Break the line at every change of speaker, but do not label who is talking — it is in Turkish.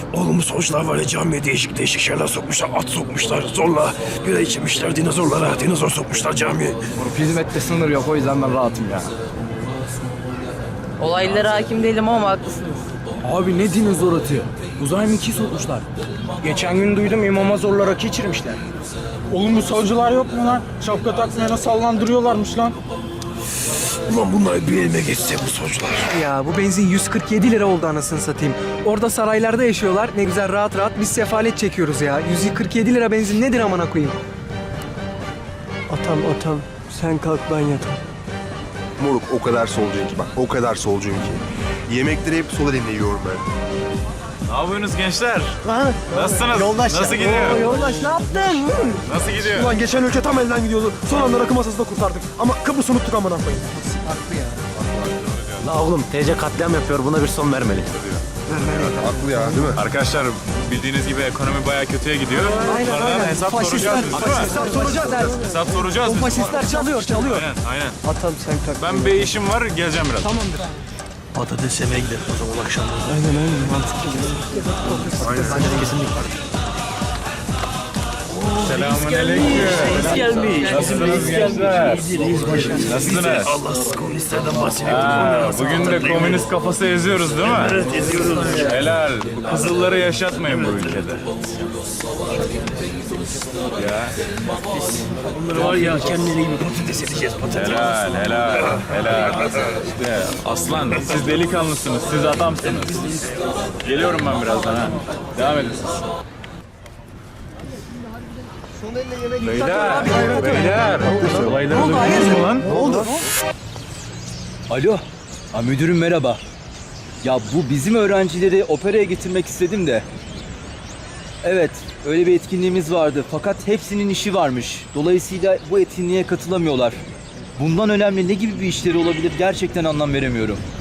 Oğlum solcular var ya, camiye değişik değişik şeyler sokmuşlar. At sokmuşlar zorla. Bira içirmişler dinozorlara. Dinozor sokmuşlar camiye.
Hizmette sınır yok, o yüzden ben rahatım ya.
Olaylara hakim değilim ama haklısınız.
Abi ne dinozor atıyor? Uzay mekiği sokmuşlar. Geçen gün duydum, imama zorla rakı içirmişler.
Oğlum bu savcılar yok mu lan? Şapka takmayana sallandırıyorlarmış lan.
Ulan bunlar bir elime geçse bu solcular.
Ya bu benzin 147 lira oldu anasını satayım. Orada saraylarda yaşıyorlar. Ne güzel rahat rahat biz sefalet çekiyoruz ya. 147 lira benzin nedir amına koyayım? Atam sen kalk ben yatam.
Moruk o kadar solcuyum ki bak, o kadar solcuyum ki. Yemekleri hep sol elimle yiyorum ben.
Ne yapıyorsunuz gençler? Nasılsınız?
Yoldaş
Nasıl
ya.
gidiyor?
Yoldaş ne yaptın?
Nasıl gidiyor?
Ulan geçen ülke tam elden gidiyordu. Son anda rakı masasında kurtardık. Ama Kıbrıs'ı unuttuk amına koyayım.
La oğlum TC katliam yapıyor, buna bir son vermeli.
Haklı ya, değil mi?
Arkadaşlar bildiğiniz gibi ekonomi bayağı kötüye gidiyor.
Aynen
Bunlardan
aynen.
hesap
Faşistler,
soracağız biz, değil mi?
faşistler soracağız.
Hesap soracağız
O
biz.
faşistler çalıyor.
Aynen.
Atam sen kalk.
Ben bir işim var, geleceğim biraz.
Tamamdır.
Patates yemeye gidelim o zaman akşamları.
Aynen mantıklı.
Selamünaleyküm. Nasılsınız gençler? Nasılsınız?
Allahsız komünistlerden bahsediyoruz.
Bugün de komünist kafası eziyoruz değil mi?
Evet eziyoruz.
Helal. Kızılları yaşatmayın bu ülkede. Ya.
Bunları var ya kendileri gibi patates edeceğiz patates.
Helal. İşte aslan, siz delikanlısınız, siz adamsınız. Geliyorum ben birazdan ha. Devam edin siz. Beyler. Olayları duydunuz mu lan?
Alo, müdürüm merhaba. Ya bu bizim öğrencileri operaya getirmek istedim de. Evet, öyle bir etkinliğimiz vardı fakat hepsinin işi varmış. Dolayısıyla bu etkinliğe katılamıyorlar. Bundan önemli ne gibi bir işleri olabilir gerçekten anlam veremiyorum.